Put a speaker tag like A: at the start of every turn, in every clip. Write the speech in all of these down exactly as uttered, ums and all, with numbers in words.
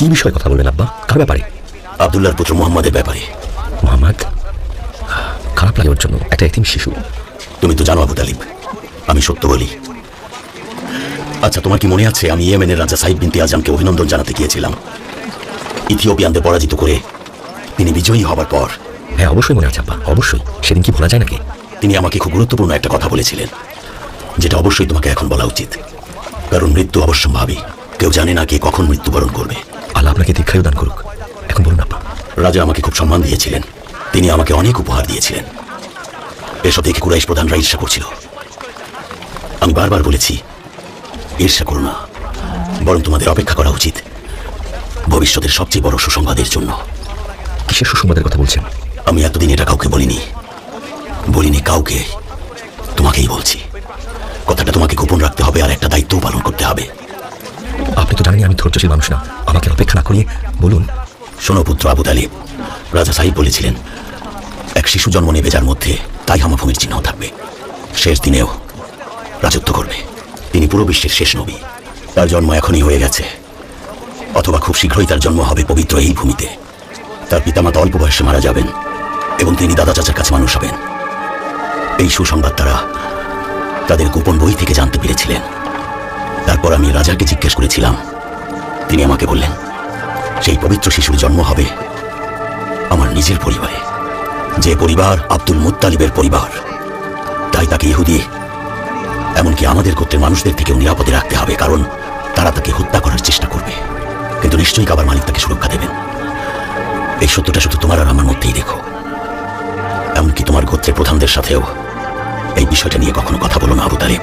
A: কি বিষয়ে কথা বলবেন আব্বা? কার ব্যাপারে?
B: আব্দুল্লাহর পুত্র মুহাম্মাদের ব্যাপারে।
A: মুহাম্মদ? খারাপ লাগে ওর জন্য, একটা এতিম শিশু।
B: তুমি তো জানো আবু তালিব, আমি সত্য বলি। আচ্ছা, তোমার কি মনে আছে আমি ইয়েমেনের রাজা সাইদ বিনতে আজমকে অভিনন্দন জানাতে গিয়েছিলাম? ইথিওপিয়ানদের পরাজিত করে তিনি বিজয়ী হবার পর।
A: হ্যাঁ অবশ্যই মনে আছে আব্বা, অবশ্যই। সেদিন কি ভোলা যায় নাকি?
B: তিনি আমাকে খুব গুরুত্বপূর্ণ একটা কথা বলেছিলেন, যেটা অবশ্যই তোমাকে এখন বলা উচিত। কারণ মৃত্যু অবশ্যম্ভাবী, কেউ জানে না কে কখন মৃত্যুবরণ করবে।
A: আল্লাহ আপনাকে দীর্ঘায়ু দান করুক। এখন বলুন আব্বা।
B: রাজা আমাকে খুব সম্মান দিয়েছিলেন, তিনি আমাকে অনেক উপহার দিয়েছিলেন। এসব দেখে কুরাইশ প্রধানরা ঈর্ষা করছিল। আমি বারবার বলেছি, ঈর্ষা করো না, বরং তোমাদের অপেক্ষা করা উচিত ভবিষ্যতের সবচেয়ে বড় সুসংবাদের জন্য।
A: কিসের সুসংবাদের কথা বলছেন?
B: আমি এতদিন এটা কাউকে বলিনি, বলিনি কাউকে, তোমাকেই বলছি। কথাটা তোমাকে গোপন রাখতে হবে, আর একটা দায়িত্বও পালন করতে হবে।
A: আপনি তো জানেন আমি ধৈর্যশীল মানুষ না, আমাকে অপেক্ষা না করিয়ে বলুন।
B: শোনো পুত্র আবু তালিব, রাজা সাহিব বলেছিলেন এক শিশু জন্ম নেবে যার মধ্যে তাই হামাভূমির চিহ্ন থাকবে। শেষ দিনেও রাজত্ব করবে। তিনি পুরো বিশ্বের শেষ নবী। তার জন্ম এখনই হয়ে গেছে, অথবা খুব শীঘ্রই তার জন্ম হবে পবিত্র এই ভূমিতে। তার পিতামাতা অল্প বয়সে মারা যাবেন এবং তিনি দাদা চাচার কাছে মানুষ হবেন। এই সুসংবাদ তারা তাদের গোপন বই থেকে জানতে পেরেছিলেন। তারপর আমি রাজাকে জিজ্ঞেস করেছিলাম, তিনি আমাকে বললেন সেই পবিত্র শিশুর জন্ম হবে আমার নিজের পরিবারে, যে পরিবার আব্দুল মুত্তালিবের পরিবার। তাই তাকে ইহুদি, এমনকি আমাদের গোত্রের মানুষদের থেকেও নিরাপদে রাখতে হবে, কারণ তারা তাকে হত্যা করার চেষ্টা করবে, কিন্তু নিশ্চয়ই কাবার মালিক তাকে সুরক্ষা দেবেন। এই সত্যটা শুধু তোমার আর আমার মধ্যেই দেখো। এমনকি তোমার গোত্রের প্রধানদের সাথেও এই বিষয়টা নিয়ে কখনো কথা বলো না আবু তালিব।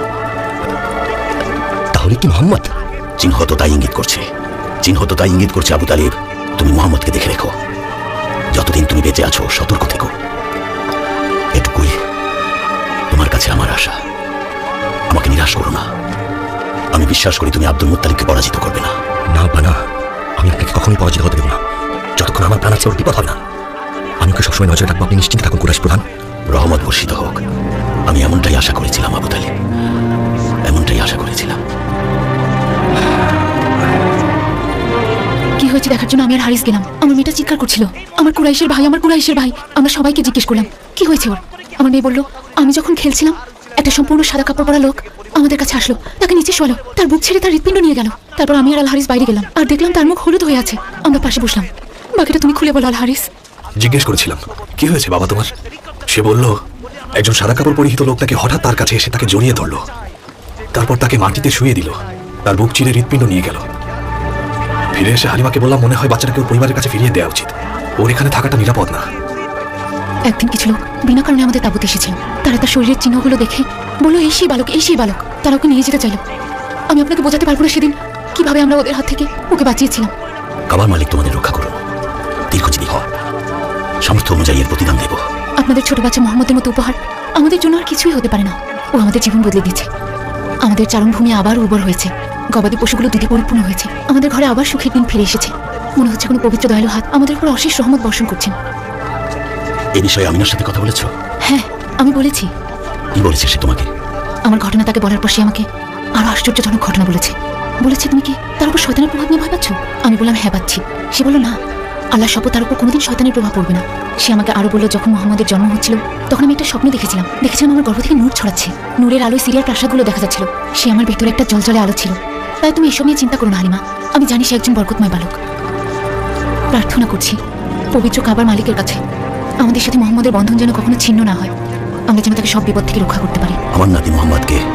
A: তাহলে কি মুহাম্মদ?
B: চিহ্ন তো তাই ইঙ্গিত করছে, চিহ্ন তো তাই ইঙ্গিত করছে আবু তালিব। তুমি মুহাম্মদকে দেখে রেখো, যতদিন তুমি বেঁচে আছো সতর্ক থেকো। এটুকুই তোমার কাছে আমার আশা। আমাকে নিরাশ করো না। আমি বিশ্বাস করি তুমি আব্দুল মুত্তালিবকে পরাজিত করবে না।
A: না বানা, আমি আপনাকে কখনোই পরাজিত হতে দেব না। যতক্ষণ আমার প্রাণ আছে ওর বিপদ হবে না। আমি ওকে সবসময় নজরে রাখবো, আপনি নিশ্চিন্তে থাকুন কুরাইশ প্রধান।
B: রহমত বর্ষিত হোক। আমি এমনটাই আশা করেছিলাম আবু তালিব, এমনটাই আশা করেছিলাম।
C: কি হয়েছে দেখার জন্য আমি আর হারিস গেলাম। আমার মেয়েটা চিৎকার করছিল, আমার কুরাইশের ভাই, আমার কুরাইশের ভাই। আমরা সবাইকে জিজ্ঞেস করলাম কি হয়েছে ওর। আমার মেয়ে বলল, আমি যখন খেলছিলাম একটা সম্পূর্ণ সাদা কাপড় পরা লোক আমাদের কাছে আসলো, তাকে নিচে শোয়ালো, তার বুক ছেড়ে তার হৃৎপিণ্ড নিয়ে গেল। তারপর আমি আর আল হারিস বাইরে গেলাম আর দেখলাম তার মুখ হলুদ হয়ে আছে। আমরা পাশে বসলাম। বাকিটা তুমি খুলে বলো আল হারিস।
D: জিজ্ঞেস করেছিলাম কি হয়েছে বাবা তোমার। সে বলল একজন সাদা কাপড় পরিহিত লোক তাকে হঠাৎ তার কাছে এসে তাকে জড়িয়ে ধরল, তারপর তাকে মাটিতে শুয়ে দিল, তার বুক চিরে হৃৎপিণ্ড নিয়ে গেল। ফিরে এসে হালিমাকে বললাম মনে হয় বাচ্চাটাকে ওর পরিবারের কাছে ফিরিয়ে দেওয়া উচিত, ওর এখানে থাকাটা নিরাপদ না।
C: একদিন কিছু লোক বিনা কারণে আমাদের তাঁবুতে এসেছিল। তারা তার শরীরের চিহ্নগুলো দেখে বললো এই সেই বালক, এই সেই বালক। তারা ওকে নিয়ে যেতে চাইল। আমি আপনাকে বোঝাতে পারবো না সেদিন কিভাবে আমরা ওদের হাত থেকে ওকে বাঁচিয়েছিলাম।
B: কাবার মালিক তোমাদের রক্ষা করুন, দীর্ঘজীবী হও। সামর্থ্য অনুযায়ী এর প্রতিদান দেব।
C: আপনাদের ছোট বাচ্চা মোহাম্মদের মতো উপহার আমাদের জন্য আর কিছুই হতে পারে না। ও আমাদের জীবন বদলে দিয়েছে। আমাদের চারণভূমি আবার উর্বর হয়েছে, গবাদি পশুগুলো দুধে পরিপূর্ণ হয়েছে। আমাদের ঘরে আবার সুখের দিন ফিরে এসেছে। মনে হচ্ছে কোনো পবিত্র দয়ালু হাত আমাদের উপর অশেষ রহমত বর্ষণ করছেন।
B: এই বিষয়ে আমিনার সাথে কথা বলেছো?
C: হ্যাঁ আমি বলেছি।
B: কি বলেছে সে তোমাকে?
C: আমার ঘটনা তাকে বলার পর সে আমাকে আরো আশ্চর্যজনক ঘটনা বলেছে। বলেছে তুমি কি তার উপর শয়তানের প্রভাব নিয়ে ভয় পাচ্ছ? আমি বললাম হ্যাঁ পাচ্ছি। সে বলল না, আল্লাহ শপথ তার উপর কোনোদিন শয়তানের প্রভাব পড়বে না। সে আমাকে আরো বলল যখন মুহাম্মদের জন্ম হচ্ছিল তখন আমি একটা স্বপ্ন দেখেছিলাম। দেখেছিলাম আমার গর্ভ থেকে নূর ছড়াচ্ছে, নূরের আলোয় সিরিয়ার প্রাসাদগুলো দেখা যাচ্ছিল। সে আমার ভেতরে একটা জলজলে আলো ছিল। তাই তুমি এসব নিয়ে চিন্তা করো না হালিমা। আমি জানি সে একজন বরকতময় বালক। প্রার্থনা করছি পবিত্র কাবার মালিকের কাছে আমাদের সাথে মুহাম্মদের বন্ধন যেন কখনো ছিন্ন না হয়। আমরা যেন তাকে সব বিপদ থেকে রক্ষা করতে পারি।
B: আমার নাতি মুহাম্মদকে